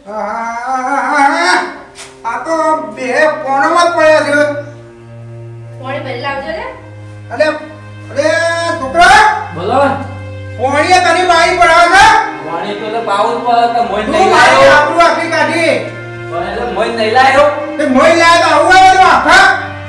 આ તો બે કોણમાં પડ્યા છે. પાણી ભરી લાવજો ને. અલે અરે છોકરા બોલો. પોણીએ તને બાઈ પડાવે છે. પાણી તો પાઉસ પર તો મોઈ તું નહીં મારી લાયો. આબરૂ આખી કાઢી. પણ એટલે મોઈ નહીં લાયો. તે મોઈ લાયા તો આવું આવે તો આખા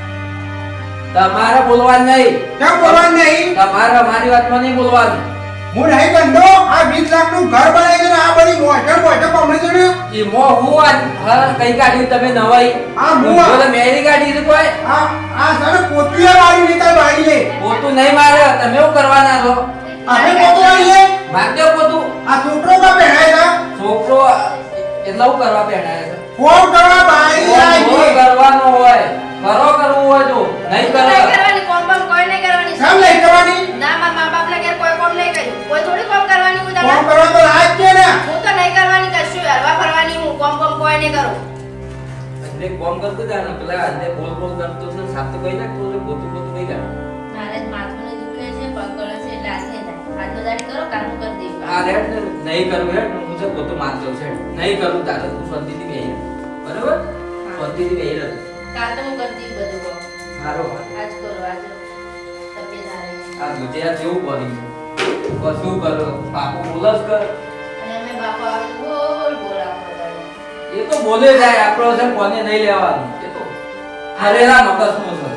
તમારે બોલવાનું નહીં. કેમ બોલવાનું નહીં? તમારે મારી વાતમાં નહીં બોલવાનું. હું નહીં ગંડો આ 20 લાખનું ઘર બનાવી છે ને આ બધી મોઢે પમણી છે ને ઈ મો હું હા કઈ કાઢ્યું તમે નવાઈ. આ મુઆ. બોલે મેરી કાઢી છે કોઈ. આ સર પોતિયા વાળી નીકળ બાઈ લે. પોતું નહીં મારે તમે શું કરવાના છો. આપણે પોતો વાળી લે. મારજો પોતું. આ છોકરો કા પહેરાય છે? છોકરો એટલે હું કરવા પહેણાય છે. ફોન કરવા બાઈ આવી ફોન છે. કરવાનો હોય કરવું હોય તો નહીં તો નહીં કરો. કરવાની કોમ બમ કોઈ નહીં કરવાની. કેમ નહીં કરવાની? ના મારા મા બાપના ઘેર કોઈ કોમ નહીં કર્યું. કોઈ થોડી કોમ કરવાની હું ફોન તમને. કરવા તો રાજ છે ને. હું તો નહીં કરવાની કશું હરવા ફરવાની હું કોમ બમ કોઈ નહીં કરું. એટલે કોમ કરતો જા ને પેલા આજે બોલ બોલ કરતો છે સાત તો કઈ નાખતો છે પોતું પોતું કઈ કાઢ. મારે જ માથું દુખે છે પગ ગળે છે એટલે આજે થાય. હાથો દાડી કરો કામ કરી દેવું. આ રેટ ને નહીં કરવું હેડ હું તો પોતું મારતો છે નહીં કરું તારે તું શાંતિથી બેહી રહે. બરાબર શાંતિથી બેહી રહે. કાલ તો હું કરી દઉં બધું કોમ. સારો વાત. આજ કરો આજ તબિયત હારી છે. આ ગુજરાત જેવું પડી છે કશું કરો પાપો બોલસ કર. અને અમે બાપા આવે તો બોલ બોલ આખો દાડી. એ તો બોલે જાય આપણો છે કોને નહીં લેવાનું એ તો હરેરા મગજનું છે.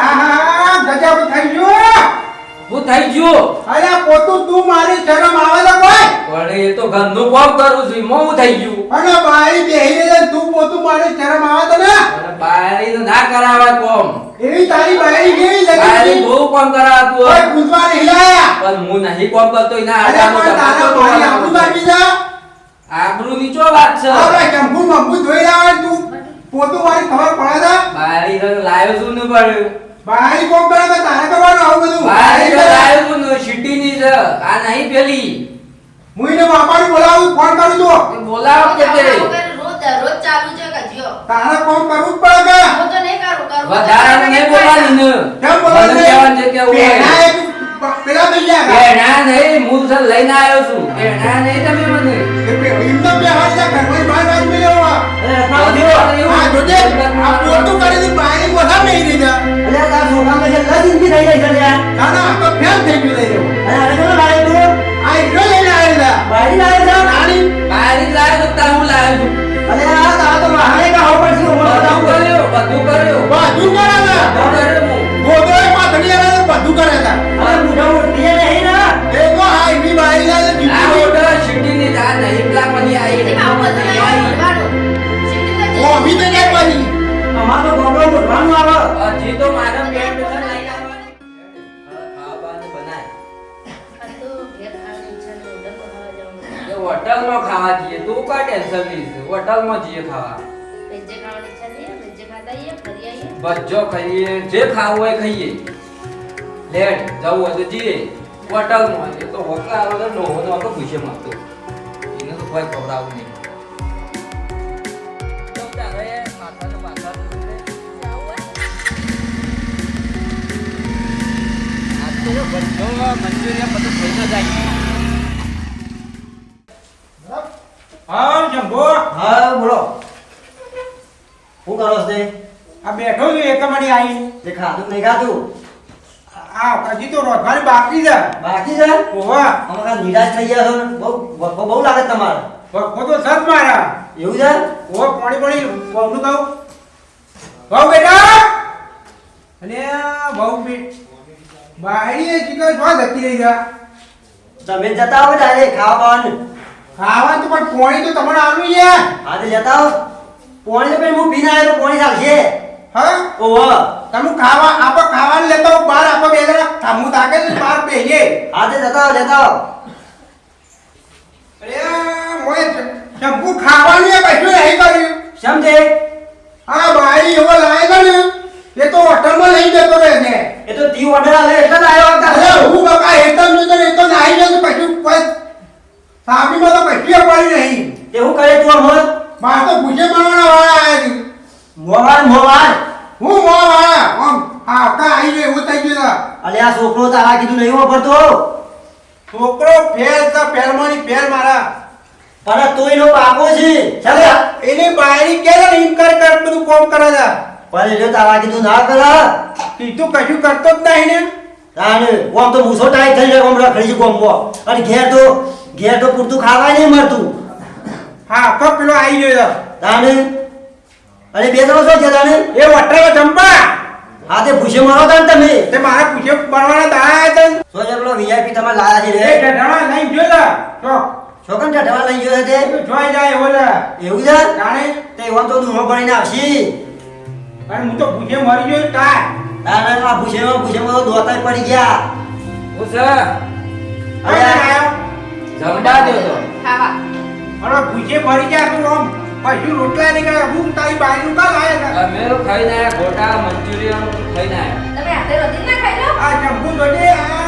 હા ગજબ થઈ ગયો. હું થઈ ગયો અરે પોતું તું મારી શરમ આવે તો કોઈ. પણ એ તો ઘરનું કામ કરું છું એમાં હું થઈ ગયું. અને બાઈ બેહી રહે તું પોતું મારી શરમ આવે તો ને. અને બારી તો ના કરાવે કોમ. એવી તારી બાઈ કેવી બારી લગી બહુ કામ કરાવતું કોઈ હોય. પૂછવા નહીં લાયા. પણ હું નહીં કોમ કરતો એના અરે પણ તારા મારી આબરૂ કાઢી જા. આબરૂ નીચો વાત છે. આપણે ચંપુ મંપુ ધોઈ લાવે ને તું પોતું મારી ખબર પડે છે. બારી તો લાવ્યો છું ને પડ્યું. બાઈ કોમ કરે તો તારે કરવાનું આવું બધું. બારી તો લાવ્યો છું ને સિટીની છે આ નહીં પેલી. હું એને બાપાને બોલાવું ફોન કરું છું. એ બોલાવો કે તે રોજ ચાલુ છે કજિયો. તારે કોમ કરવું જ પડે કે. હું તો નહીં કરું કરું. વધારાનું નહીં બોલવાનું ને. કેમ બોલવાનું મને કહેવાનું છે કે હું પહેલા એક પેલા થઈ ગયા કા. પેણા નહીં હું સર લઈને આવ્યો છું. પેણા નહીં તમે મને. એમને બે હાથ જા ઘરમાં બહાર આવી મેલ્યો આ. આ જોજે આ પોતું કરી દી બાઈ બોલા નહીં રહી જા. અલ્યા તાર છોકરાને જે લજિંદગી થઈ ગઈ છે લ્યા. ના ના આ તો ફેલ થઈ ગયું લઈ રહ્યો. અને હવે કેમ લાવે તું? આ એટલો લઈને આવેલા. બારી લાવે છે? નાની બારી લાવ્યો તો તાર હું લાવ્યો છું. અલ્યા તાર તો વાહણે કા હોપર છે ઉમર બધું બધા. કર્યું બધું કર્યું. બધું કરેલા. બધું કર્યું હું. ગોદોય પાથરી આવેલા બધું કરેલા. અરે બુઢા ઉઠી નહીં ના. એ તો આ એની બાઈ લાગે આ જીતી. ઓર્ડર સિટીની જા નહીં પેલા પછી આવી. એમાં આવું બધું નહીં બોલવાનું. સિટી તો ઓ અભી તો ક્યાં પાછી. અમાર તો ગોગડો ઉઠવાનું આવે. હજી તો મારા પેટ પર લઈને આવવાની. ખાવાનું બનાય. આ તો ઘેર ખાવાની ઈચ્છા નહીં હોટલ પર ખાવા જવાનું. એ હોટલમાં ખાવા જઈએ તું કા ટેન્શન લઈશ હોટલમાં જઈએ ખાવા. વેજ્જે ખાવાની ઈચ્છા નહીં વેજ્જે ખાતા આવીએ ફરી આવીએ. બચ્ચો ખાઈએ જે ખાવું હોય ખાઈએ. લેટ જવું હોય તો જઈએ હોટલમાં. એ તો હોટલ આવે તો નોહો નોહો પૂછે માગતો એને તો કોઈ ખવડાવું નહીં. તો તારે માથાનું માથાનું છે. આ તો બચ્ચો મંચુરિયન બધું ખાઈને જાય. હા જંબો હા બોલો. શું કરો છો તે? આ બેઠો છું એક મણી આવી. તે ખાધું નહીં ખાધું? આ હજી તો રોધવાની બાકી છે. બાકી છે? ઓવા અમે કાં નિરાશ થઈ ગયા છો ને? બહુ લાગે છે તમારે. વખો તો સત મારા. એવું છે? ઓ પાણી બહુનું કહું બહુ બેટા અને બહુ બે બાઈ એ ચીકર જો જતી રહી જા. તમે જતા આવો ડાયરેક્ટ ખાવા ખાવાનું. ખાવાનું તો પણ પાણી તો તમને આલું છે. હા તે જતા આવો. પાણી તો પેલું હું પીને આવ્યો તો પાણી ચાલશે. હા ઓહો. તમે ખાવા આપો ખાવાનું લેતો આવો બહાર આપો બે જણા હું તાકે છે બહાર બેહીએ. હા તે જતા આવો જતા આવો. અરે મોય શંકુ ખાવાનું એ કશું નહીં કર્યું. સમજે? આ બાઈ એવો લાયેલો ને એ તો હોટલમાં લઈ જતો રહે છે. એ તો તી ઓર્ડર આલે એટલે જ આવ્યો અરે હતા. હું બકા હેતમ નતો ને તો નાઈ જતો કશું કોઈ સાબીમાં તો કશું પડી નહીં. તે હું કરે તું અમર? માર તો ભૂજે બનાવવાના વાળા આયા છે. મોવાન મોવાન. હું મો વાળા આમ આવતા આવી ગયો એવું થઈ ગયું છે. અલે આ છોકરો તારા કીધું નહીં વાપરતો. છોકરો ફેર તો ફેરમાંની ફેર મારા પણ તોય નો બાપો છે ચાલે એને બાયરી કે ને એમ કર બધું કોમ કરે છે. પણ એટલે તારા કીધું ના કર કીધું કશું કરતો જ નહીં ને. તાને ઓમ તો મૂસો ટાઈટ થઈ જાય ઓમ રખડી છે ગોમમાં અને ઘેર તો પૂરતું ખાવાય નહીં મળતું હા તો પેલો આવી ગયો છે. તાને અને બે જણો શું છે તાને એ વટરાનો ચંપા હા તે ભૂસે મારો તાન તમે તે મારા પૂછે બનવાના દાયા હતા ને. શું છે પેલો વીઆઈપી તમારે લાયા છે એ રે ઢઢાણા લઈને ગયો છે. તો છોકન ઢઢવા લઈ ગયો છે તે જોઈ જાય એવો છે. એવું છે જાણે તે ઓમ તો દૂધો ભણીને આવશી અને હું તો પૂછે મરી ગયો તાર. તાને આ ભૂસેમાં તો દોતાય પડી ગયા હું છે હવે આવ્યો. જમવા દો તો ખાવા. અરે પૂછે મરી ગયા તું આમ પછી રોટલા નીકળ્યા હું તારી બાયનું કા લાયા હતા. અમે તો ખાઈને આયા ગોટા મંચુરિયન ખાઈને આયા તમે હાથે રોટી ના ખાઈ લો. આ ચંપુ જોડે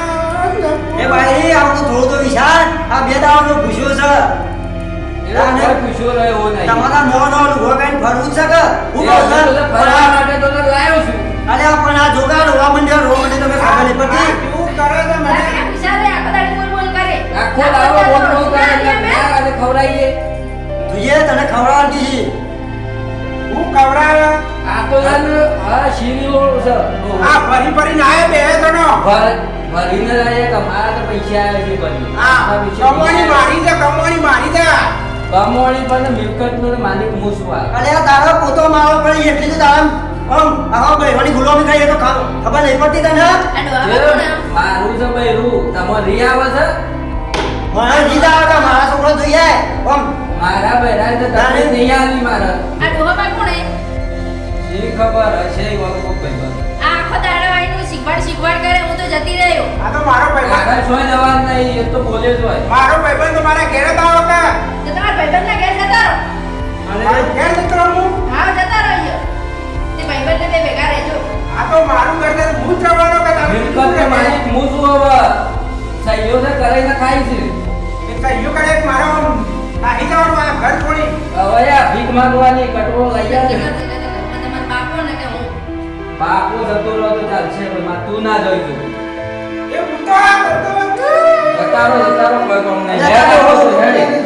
એ ભાઈ આપણું થોડું તો વિચાર આ બે દાવાનો ભૂસ્યો છે એનો કોઈ પૂછ્યો રહ્યો નહીં તમારા નવો લુગડો પહેરીને ફરવું છે કે હું એ કહું તો છું ફરવા માટે તો તને લાવ્યો છું અરે પણ આ જોગાડ રોવા મંડ્યા તમે ખબર નહીં પડતી શું કરે છે મને તારે વિચારે આખો દાડી બોલ બોલ કરે. આખો દાડો બોલ બોલ કરે એટલે ના આજે ખવડાવીએ તુજે તને ખવડાવવાની છે હું કવરાવે આ તો જાન હા શીરીઓ છે આ ફરી ફરીને આયા બે જણો ભરીને લાવીએ કે મારા તો પૈસા આવ્યા છે ભરી આ કમોણી મારી છે કમોણી મારી છે કમોણી પણ મિલકતનો માલિક હું છું આ અરે આ તારો પોતો મારો પડી એટલી તો તારા આવા બેવાની ગુલામી ખાઈ તો ખબર નહીં પડતી તને આ ડોહા જે કોણ? મારું છે બૈરું તમારે રી આવે છે મને જીતા આવે કે મારા છોકરો જોઈએ મારા બૈરા તો તમે નહીં આવી મારા આ ડોહા કોણ હે? શી ખબર હશે એવા કોઈ ભાઈ આ આખો દાડો આવીને શીખવાડ કરે હું તો જતી રહ્યો. આ તો મારો ભાઈબંધ મારા છોય જવાન નહીં એ તો બોલે જ હોય મારો ભાઈબંધ તો મારા ઘેર જ આવો કે તો તમારા ભાઈબંધના ઘેર જતા રહો. મારા ઘેર જતો રહું હું. હા જતા રહો અહીંયા. તે ભાઈબંધને બે ભેગા રહેજો. આ તો મારું ઘર છે હું જ જવાનો કે તમે મિલકત તો માલિક હું છું હવે સહીઓ તો કરાઈને ખાઈ છે એ કહીયું કરે કે મારો નાહી જવાનું આ ઘર છોડી હવે આ ભીખ માંગવાની કટવો લઈ નક્કી આવે કરજો ને કે ઘરમાં તમારા બાપો ને કે હું. બાપુ જતો રહો તો ચાલશે પણ માં તું ના જોઈ તું એ હું તો આ કરતો હતો. જતારો કોઈ કોમ નહીં લે આવો છું હેડી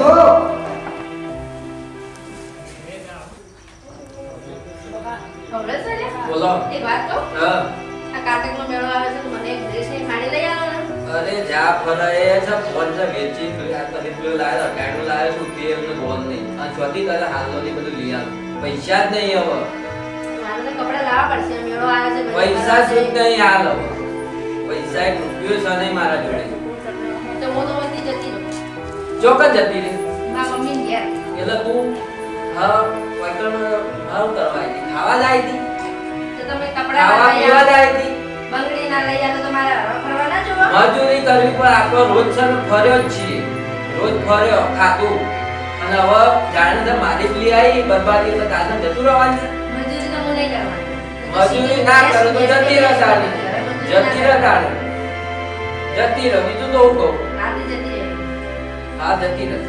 ખબર છે ને? બોલો એક વાત કહું? હા આ કાર્તિકનો મેળો આવે છે તો મને એક ડ્રેસ ની સાડી લઈ આવો ને. અરે જા ફરાય છે ફોન છે વેચી આ કરી પેલો લાયો કાઢો લાયો છું તે એમને બોલ નહીં આ છોટી તારે હાલનો ની બધું લઈ આવ પૈસા જ નહીં હવે મારે તો કપડાં લાવવા પડશે મેળો આવે છે બધું. પૈસા શું નહીં હાલ હવે પૈસા એક રૂપિયો છે નહીં મારા જોડે તો હું તો વતી જતી રહું. ચોક્કસ જતી રહી મારા મમ્મીને ઘેર. એટલે તું હા વૈકણ હાવ કરવા આવી હતી ખાવા જ આવી હતી તો તમે કપડાં ખાવા લઈ પીવા જ આવો. આવી હતી બંગડી ના લઈ આવો તો તમારે હરવા ફરવા ના જોવો. મજૂરી કરવી પણ આપણો રોજ છે ને ફર્યો જ છીએ રોજ ફર્યો ખાતું અને હવે જાણે તો માલિક લઈ આવી બરબાદી તો કાલે જતું રહેવાનું છે મજૂરી તો હું નહીં કરવાની. મજૂરી ના કરો તો જતી રહે સારી જતી રહે તારે જતી રહે બીજું તો હું કહું રાતે જતી રહે. હા જતી રહે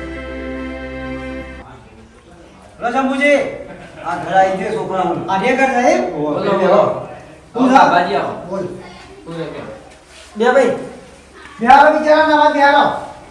લો શંભુજી આ ઘર આવી ગયો છોકરા હું આ ઘર સાહેબ બોલો બોલો હું હા બાજી આવો બોલ તું રે કે બે ભાઈ બિહારો બિચારા નવા બિહારો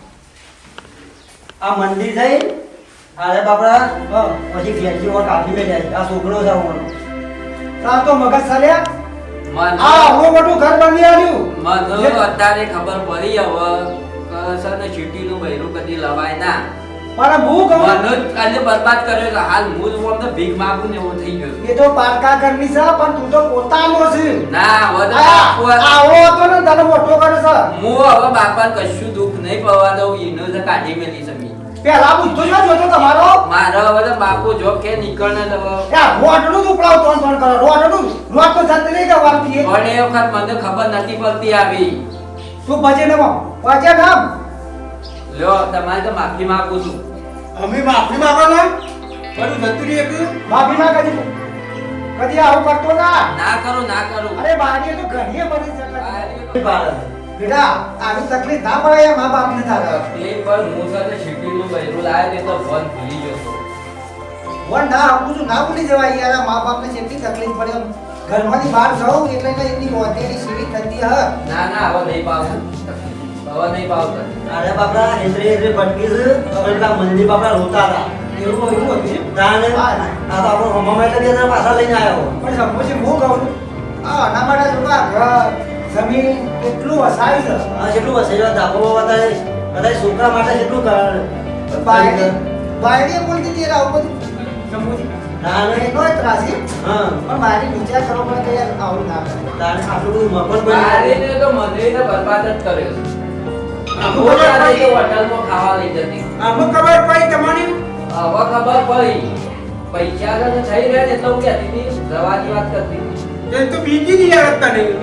આ મંદિર થઈ અરે બાપડા પછી ઘેરથી ઓર કાઢી મે જાય આ છોકરો છે હું તા તો મગજ ચાલ્યા મને હું મોટું ઘર બાંધી આવ્યું મને અત્યારે ખબર પડી હવે કસર ને ચીટીનું બૈરું કદી લવાય ના પણ હું કહું મને જ કાલે બરબાદ કર્યો છે હાલ હું જ અમને ભીખ માંગુ ને એવું થઈ ગયું એ તો પારકા ઘરની છે પણ તું તો પોતાનો છે ના હવે તો બાપુ આવો હતો ને તને મોટો કરે છે હું હવે બાપાને કશું દુઃખ નહીં પડવા દઉં એનો જ કાઢી મેલી છે મી પેલા પૂછતો જો જોતો તમારો મારો હવે તો બાપુ જો કે નીકળને તો રોટનું ઉપડાવ તોન કરો રોટનું રોટ તો જતી નહીં ગવાતી પણ એ વખત મને ખબર નથી પડતી આવી તું બચે ને બચે નામ લ્યો તમારે તો માફી માંગુ છું અમે માફી માંગવાના બધું જતું રહી એક માફી માં કદી આવું કરતો ના ના કરું ના કરું અરે બારી તો ઘણીએ બની શકે બારી. બેટા આવી તકલીફ ના પડે મા બાપ ને થાય એ પણ હું સાથે શીટીનું બૈરું લાવ્યો તે તો ફોન ભૂલી ગયો હતો. વન ના આપું છું ના ભૂલી જવાય યાર મા બાપ ને જેટલી તકલીફ પડે ઘરમાંથી બહાર જાઉં એટલે એમની હોટેલી સીવી થતી હ ના ના હવે નહીં પાવું હવે નહીં ભાવતા. અરે બાપરા હેતરે હેતરે ભટકી છે અને પેલા મંદી બાપરા રોતા હતા એવું હતું તાને આ તો આપણો હમામાં એટલે બે જણા પાછા લઈને આવ્યો પણ સંપોસી હું કહું છું આ આના માટે જો આ ઘર જમીન કેટલું વસાવી છે હા જેટલું વસેલો ધાબો વધારે કદાચ છોકરા માટે જેટલું કરે બાયડી બોલતી હતી આવું બધું સંપોસી ના એનો જ ત્રાસી હા પણ મારી વિચાર કરવા પડે કે યાર આવું ના કરે તાને આટલું બધું મફત બની મારીને તો મંદિરને બરબાદ જ કર્યો છે. આમાં રોજ ખબર આ પડી. રીતે હોટલમાં ખાવા લઈ જતી. આમાં ખબર પડી તમને હવે ખબર પડી પૈસા તો થઈ રહ્યા ને એટલે હું કહેતી હતી જવાની વાત કરતી હતી. એ તો બીજી ની યાર હતા નહીં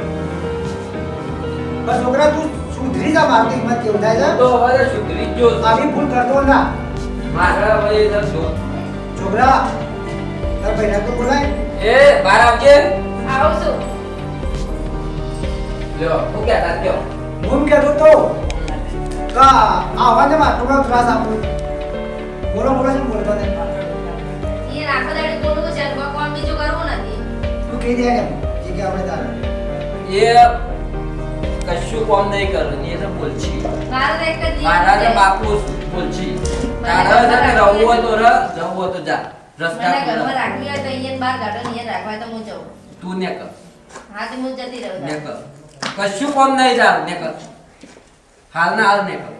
બસ છોકરા તું સુધરી જા મારી હિંમત કેવું થાય હું છે તો હવે તો સુધરી જ ગયો છું. આવી ભૂલ કરતો ના મારે હવે એ સમજો. છોકરા તાર ભાઈને તો બોલાય એ બહાર આવજે. આવું છું. લ્યો હું કહેતા કયો હું એમ કહેતો તો કા આવાને માં થોડો ત્રાસ આપું બોલો બોલો શું બોલતો ને એ આખો દાડે બોલું તો છે કોમ બીજું કરવું નથી. તું કહી દે એમ જે કે આપણે તારે એ કશું કામ નહીં કરવું એ તો બોલછી. મારે તો એક જ જીવન મારા છે. તો બાપુ બોલછી. તારે છે ને રહવું હોય તો રહ, જવું હોય તો જા. રસ્તા મને ઘરમાં ખુલ્લા. રાખવી હોય તો અહીંયા બહાર ગાર્ડન અહીંયા રાખવા હોય તો હું જઉં. તું ને કર હા તો હું જતી રહું ને કર કશું કામ નહીં તારું ને કર હાલ ના હાલ ને કર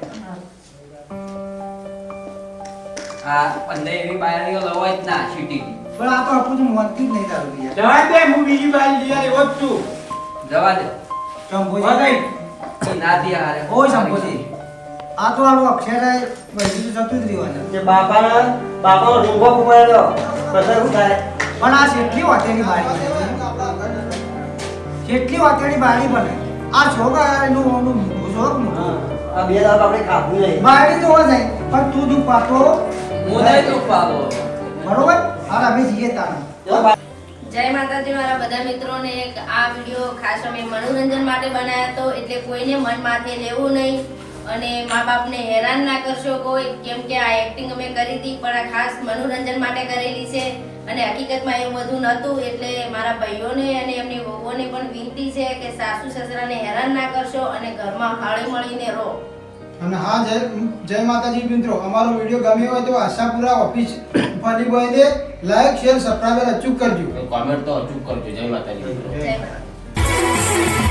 આ પંદર એવી બાયરીઓ લવાય જ ના સિટીની. પણ આ તો આપું તો મોનતી જ નહીં તારું યાર જવા દે હું બીજી બાજુ યાર એવો જ છું જવા દે શંભુજી એ ના દે હારે ઓય શંભુજી આ તો આવું અક્ષરે વૈદ્યુત તો જતું જ રહેવાનું જે બાપાનો રૂંગો પકડ્યો પછી શું થાય પણ આ કેટલી વાતેની બારી કેટલી વાતેની બારી બને આ છોકરા એનું ઓનું શોખ હા આ બે દાડા આપણે ખાધું નહીં બારી તો હોય નહીં પણ તું દુઃખ પાતો હું નહીં તું પાલો બરોબર હાલ અમે જઈએ તાને જય માતાજી મારા બધા મિત્રોને એક આ વિડિયો ખાસ અમે મનોરંજન માટે બનાવ્યો હતો એટલે કોઈને મન માથે લેવું નહીં અને મા બાપને હેરાન ના કરશો કોઈ કેમ કે આ એક્ટિંગ અમે કરી હતી પણ આ ખાસ મનોરંજન માટે કરેલી છે અને હકીકતમાં એવું બધું નહોતું એટલે મારા ભાઈઓને અને એમની વહુઓને પણ વિનંતી છે કે સાસુ સસરાને હેરાન ના કરશો અને ઘરમાં હળી મળીને રહો. અને હા જય માતાજી મિત્રો અમારો વિડિયો ગમ્યો હોય તો આશાપુરા ઓફિસ ફની બોયને લાઈક શેર સબસ્ક્રાઇબ અચૂક કરજો કોમેન્ટ તો અચૂક કરજો. જય માતાજી. જય માતા.